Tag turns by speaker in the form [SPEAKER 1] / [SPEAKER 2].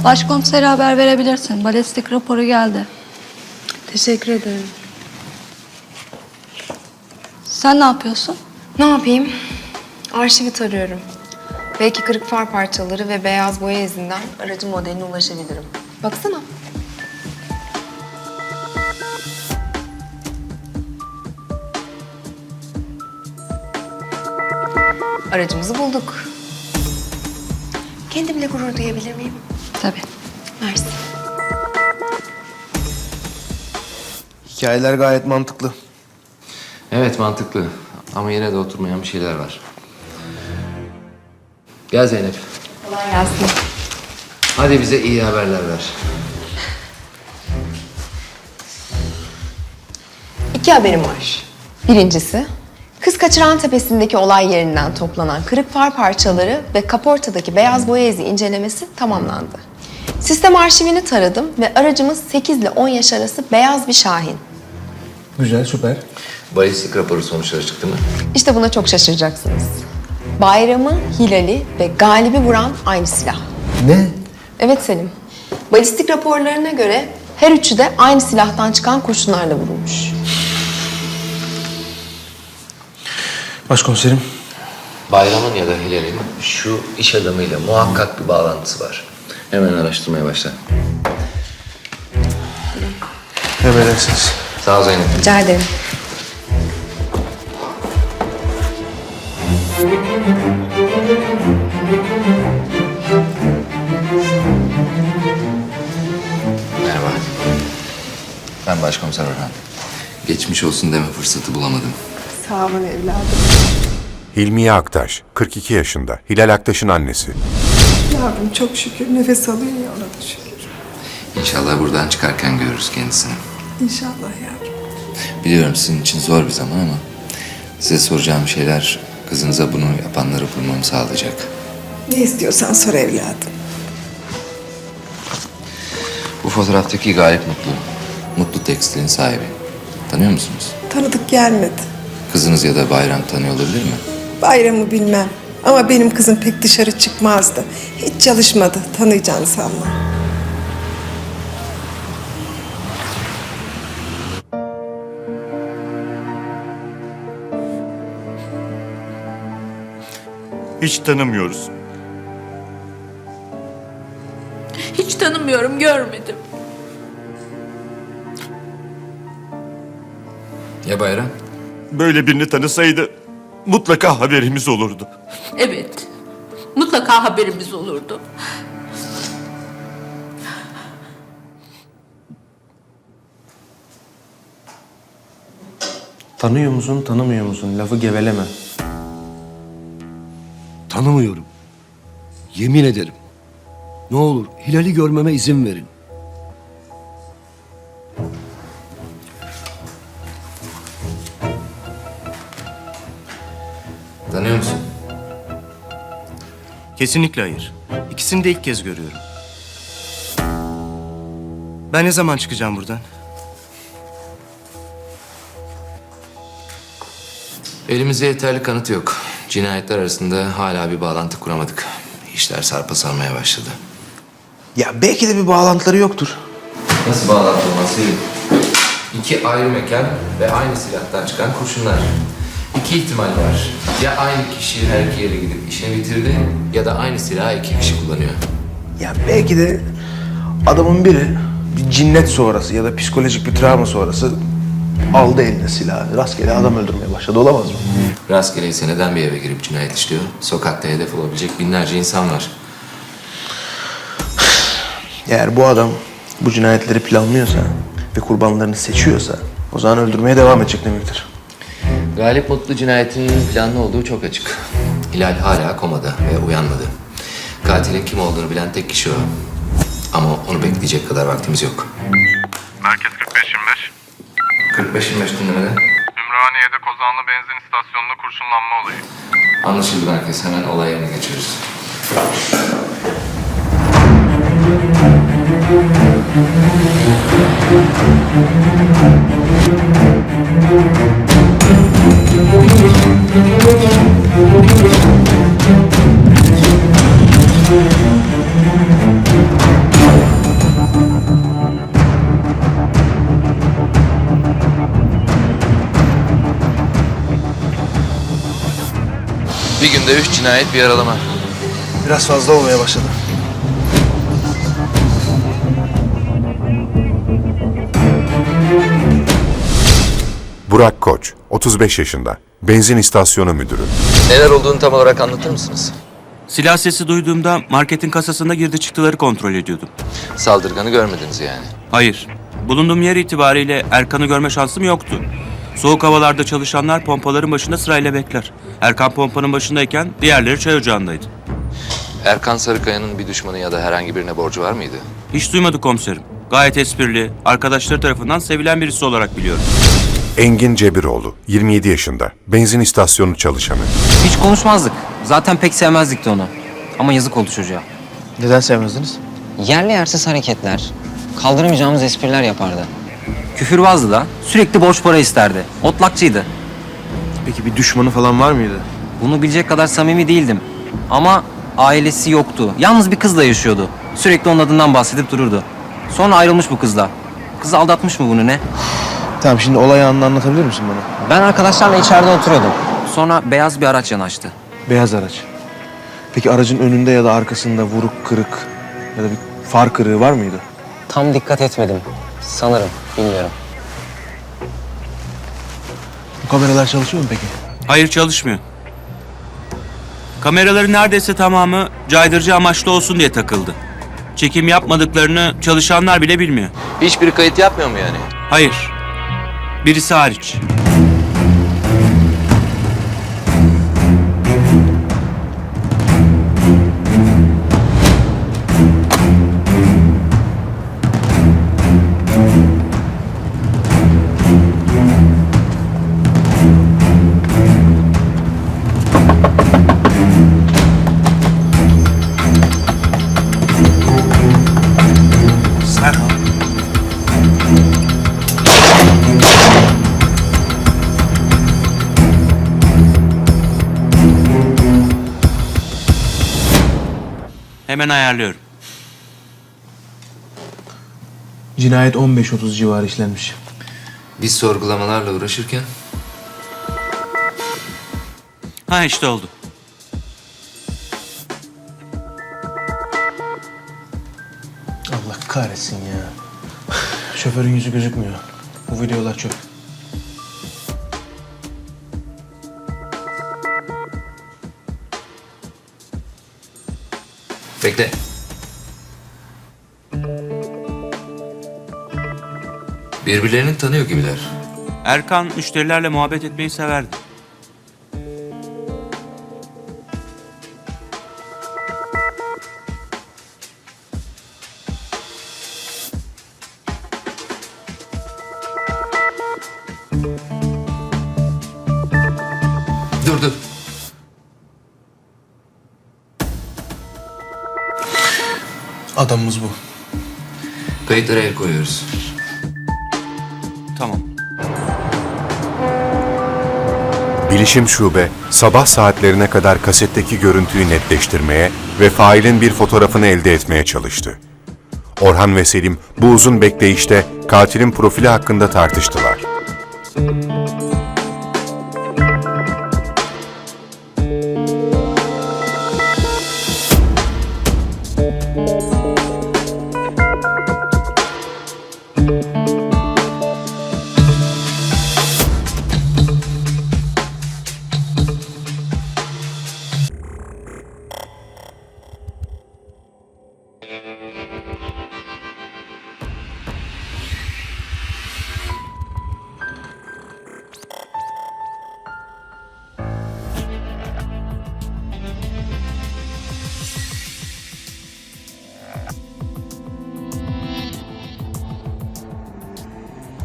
[SPEAKER 1] Başkomisere haber verebilirsin. Balistik raporu geldi.
[SPEAKER 2] Teşekkür ederim.
[SPEAKER 1] Sen ne yapıyorsun?
[SPEAKER 2] Ne yapayım? Arşivi tarıyorum. Belki kırık far parçaları ve beyaz boya izinden aracın modeline ulaşabilirim. Baksana. Aracımızı bulduk. Kendimle gurur duyabilir miyim?
[SPEAKER 1] Tabii.
[SPEAKER 2] Mersi.
[SPEAKER 3] Hikayeler gayet mantıklı.
[SPEAKER 4] Evet mantıklı ama yine de oturmayan bir şeyler var. Gel Zeynep.
[SPEAKER 2] Kolay gelsin.
[SPEAKER 4] Hadi bize iyi haberler ver.
[SPEAKER 2] İki haberim var. Birincisi, Kız Kaçıran Tepesi'ndeki olay yerinden toplanan kırık far parçaları ve kaportadaki beyaz boya izi incelemesi tamamlandı. Sistem arşivini taradım ve aracımız 8 ile 10 yaş arası beyaz bir Şahin.
[SPEAKER 3] Güzel, süper.
[SPEAKER 4] Balistik raporu sonuçları çıktı mı?
[SPEAKER 2] İşte buna çok şaşıracaksınız. Bayramı, Hilal'i ve Galip'i vuran aynı silah.
[SPEAKER 3] Ne?
[SPEAKER 2] Evet Selim. Balistik raporlarına göre her üçü de aynı silahtan çıkan kurşunlarla vurulmuş.
[SPEAKER 3] Başkomiserim.
[SPEAKER 4] Bayram'ın ya da Hilal'in şu iş adamıyla muhakkak bir bağlantısı var. Hemen araştırmaya başla.
[SPEAKER 3] Emredersiniz.
[SPEAKER 4] Sağ ol Zeynep.
[SPEAKER 2] Rica ederim.
[SPEAKER 4] Merhaba. Ben Başkomiser Orhan. Geçmiş olsun deme fırsatı bulamadım.
[SPEAKER 2] Sağ olun evladım.
[SPEAKER 5] Hilmiye Aktaş, 42 yaşında, Hilal Aktaş'ın annesi.
[SPEAKER 6] Yavrum çok şükür nefes alıyor ya, ona da şükür.
[SPEAKER 4] İnşallah buradan çıkarken görürüz kendisini.
[SPEAKER 6] İnşallah yavrum.
[SPEAKER 4] Biliyorum sizin için zor bir zaman ama size soracağım şeyler kızınıza bunu yapanları bulmamı sağlayacak.
[SPEAKER 6] Ne istiyorsan sor evladım.
[SPEAKER 4] Bu fotoğraftaki Galip Mutlu. Mutlu Tekstil'in sahibi. Tanıyor musunuz?
[SPEAKER 6] Tanıdık gelmedi.
[SPEAKER 4] Kızınız ya da Bayram tanıyor olabilir mi?
[SPEAKER 6] Bayramı bilmem. Ama benim kızım pek dışarı çıkmazdı. Hiç çalışmadı. Tanıyacağını sanma.
[SPEAKER 7] Hiç tanımıyoruz.
[SPEAKER 8] Hiç tanımıyorum, görmedim.
[SPEAKER 4] Ya Bayram?
[SPEAKER 7] Böyle birini tanısaydı mutlaka haberimiz olurdu.
[SPEAKER 8] Evet, mutlaka haberimiz olurdu.
[SPEAKER 3] Tanıyor musun, tanımıyor musun? Lafı geveleme.
[SPEAKER 9] Tanımıyorum. Yemin ederim. Ne olur Hilal'i görmeme izin verin.
[SPEAKER 4] Tanıyor musun?
[SPEAKER 10] Kesinlikle hayır. İkisini de ilk kez görüyorum. Ben ne zaman çıkacağım buradan?
[SPEAKER 4] Elimizde yeterli kanıt yok. Cinayetler arasında hala bir bağlantı kuramadık. İşler sarpa sarmaya başladı.
[SPEAKER 3] Ya belki de bir bağlantıları yoktur.
[SPEAKER 4] Nasıl bağlantı olması? İki ayrı mekan ve aynı silahtan çıkan kurşunlar. İki ihtimal var. Ya aynı kişi her iki yere gidip işini bitirdi ya da aynı silahı iki kişi kullanıyor.
[SPEAKER 3] Ya belki de adamın biri bir cinnet sonrası ya da psikolojik bir travma sonrası aldı eline silahı. Rastgele adam öldürmeye başladı, olamaz mı?
[SPEAKER 4] Rastgele ise neden bir eve girip cinayet işliyor? Sokakta hedef olabilecek binlerce insan var.
[SPEAKER 3] Eğer bu adam bu cinayetleri planlıyorsa ve kurbanlarını seçiyorsa o zaman öldürmeye devam edecek demektir.
[SPEAKER 4] Galip Mutlu cinayetinin planlı olduğu çok açık. Hilal hala komada ve uyanmadı. Katilin kim olduğunu bilen tek kişi o. Ama onu bekleyecek kadar vaktimiz yok.
[SPEAKER 7] Merkez 45-25.
[SPEAKER 4] 45-25 dinlemede.
[SPEAKER 7] Ümraniye'de Kozanlı benzin istasyonunda kurşunlanma olayı.
[SPEAKER 4] Anlaşıldı merkez. Hemen olay yerine geçiyoruz. Günde 3 cinayet, bir yaralama.
[SPEAKER 3] Biraz fazla olmaya başladı.
[SPEAKER 5] Burak Koç, 35 yaşında, benzin istasyonu müdürü.
[SPEAKER 4] Neler olduğunu tam olarak anlatır mısınız?
[SPEAKER 10] Silah sesi duyduğumda marketin kasasında girdi çıktıları kontrol ediyordum.
[SPEAKER 4] Saldırganı görmediniz yani.
[SPEAKER 10] Hayır. Bulunduğum yer itibariyle Erkan'ı görme şansım yoktu. Soğuk havalarda çalışanlar pompaların başında sırayla bekler. Erkan pompanın başındayken diğerleri çay ocağındaydı.
[SPEAKER 4] Erkan Sarıkaya'nın bir düşmanı ya da herhangi birine borcu var mıydı?
[SPEAKER 10] Hiç duymadık komiserim. Gayet esprili, arkadaşları tarafından sevilen birisi olarak biliyorum.
[SPEAKER 5] Engin Cebiroğlu, 27 yaşında, benzin istasyonu çalışanı.
[SPEAKER 11] Hiç konuşmazdık. Zaten pek sevmezdik de onu. Ama yazık oldu çocuğa.
[SPEAKER 3] Neden sevmezdiniz?
[SPEAKER 11] Yerli yersiz hareketler, kaldıramayacağımız espriler yapardı. Küfürbazdı da, sürekli borç para isterdi. Otlakçıydı.
[SPEAKER 3] Peki bir düşmanı falan var mıydı?
[SPEAKER 11] Bunu bilecek kadar samimi değildim. Ama ailesi yoktu. Yalnız bir kızla yaşıyordu. Sürekli onun adından bahsedip dururdu. Sonra ayrılmış bu kızla. Kız aldatmış mı bunu ne?
[SPEAKER 3] Tamam, şimdi olay anını anlatabilir misin bana?
[SPEAKER 11] Ben arkadaşlarla içeride oturuyordum. Sonra beyaz bir araç yanaştı.
[SPEAKER 3] Beyaz araç. Peki aracın önünde ya da arkasında vuruk, kırık ya da bir far kırığı var mıydı?
[SPEAKER 11] Tam dikkat etmedim. Sanırım, bilmiyorum.
[SPEAKER 3] Bu kameralar çalışıyor mu peki?
[SPEAKER 10] Hayır, çalışmıyor. Kameraların neredeyse tamamı caydırıcı amaçlı olsun diye takıldı. Çekim yapmadıklarını çalışanlar bile bilmiyor.
[SPEAKER 4] Hiçbiri kayıt yapmıyor mu yani?
[SPEAKER 10] Hayır. Birisi hariç. Hemen ayarlıyorum.
[SPEAKER 3] Cinayet 15-30 civarı işlenmiş.
[SPEAKER 4] Biz sorgulamalarla uğraşırken
[SPEAKER 10] Ha işte oldu.
[SPEAKER 3] Allah kahretsin ya. Şoförün yüzü gözükmüyor. Bu videolar çöp.
[SPEAKER 4] bekle. Birbirlerini tanıyor gibiler.
[SPEAKER 10] Erkan müşterilerle muhabbet etmeyi severdi.
[SPEAKER 4] Dur.
[SPEAKER 3] Adamımız bu.
[SPEAKER 4] Kayıtlara el koyuyoruz.
[SPEAKER 10] Tamam.
[SPEAKER 5] Bilişim Şube, sabah saatlerine kadar kasetteki görüntüyü netleştirmeye ve failin bir fotoğrafını elde etmeye çalıştı. Orhan ve Selim bu uzun bekleyişte katilin profili hakkında tartıştılar.